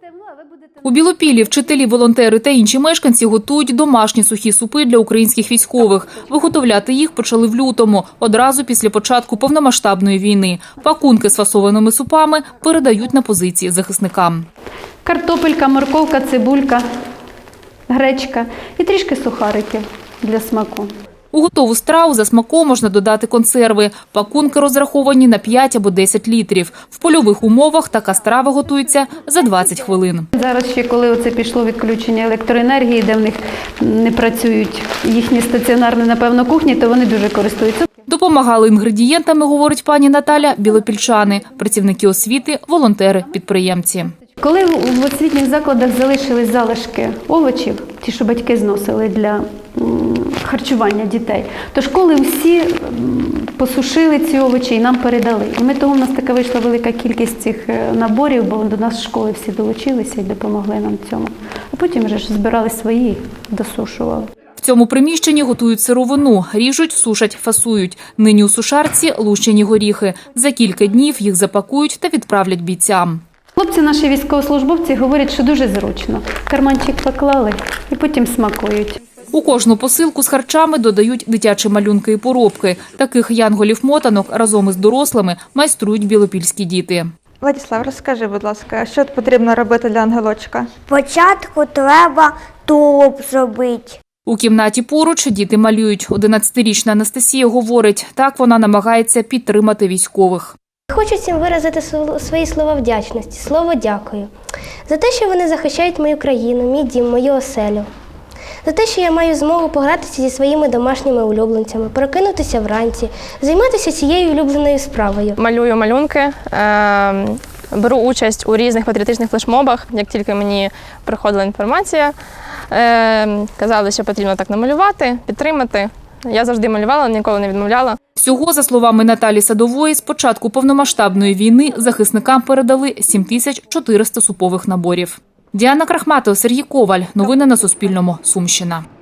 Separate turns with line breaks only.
У Білопіллі вчителі, волонтери та інші мешканці готують домашні сухі супи для українських військових. Виготовляти їх почали в лютому, одразу після початку повномасштабної війни. Пакунки з фасованими супами передають на позиції захисникам.
Картопелька, морковка, цибулька, гречка і трішки сухариків для смаку.
У готову страву за смаком можна додати консерви. Пакунки розраховані на 5 або 10 літрів. В польових умовах така страва готується за 20 хвилин.
Зараз ще, коли оце пішло відключення електроенергії, де в них не працюють їхні стаціонарні, напевно, кухні, то вони дуже користуються.
Допомагали інгредієнтами, говорить пані Наталя, білопільчани, працівники освіти, волонтери, підприємці.
Коли в освітніх закладах залишились залишки овочів, ті, що батьки зносили для харчування дітей, то школи всі посушили ці овочі і нам передали. І ми того, в нас така вийшла велика кількість цих наборів, бо до нас школи всі долучилися і допомогли нам в цьому. А потім вже ж збирали свої і досушували.
В цьому приміщенні готують сировину, ріжуть, сушать, фасують. Нині у сушарці лущені горіхи. За кілька днів їх запакують та відправлять бійцям.
Хлопці наші військовослужбовці говорять, що дуже зручно. Карманчик поклали і потім смакують.
У кожну посилку з харчами додають дитячі малюнки і поробки. Таких янголів-мотанок разом із дорослими майструють білопільські діти.
Владислав, розкажи, будь ласка, що потрібно робити для ангелочка?
Спочатку треба тулуб зробити.
У кімнаті поруч діти малюють. 11-річна Анастасія говорить, так вона намагається підтримати військових.
Хочу всім виразити свої слова вдячності, слово дякую. За те, що вони захищають мою країну, мій дім, мою оселю. За те, що я маю змогу погратися зі своїми домашніми улюбленцями, прокинутися вранці, займатися цією улюбленою справою.
Малюю малюнки, беру участь у різних патріотичних флешмобах. Як тільки мені приходила інформація, казали, що потрібно так намалювати, підтримати. Я завжди малювала, ніколи не відмовляла.
Всього, за словами Наталі Садової, з початку повномасштабної війни захисникам передали 7400 супових наборів. Діана Крахматова, Сергій Коваль. Новини на Суспільному. Сумщина.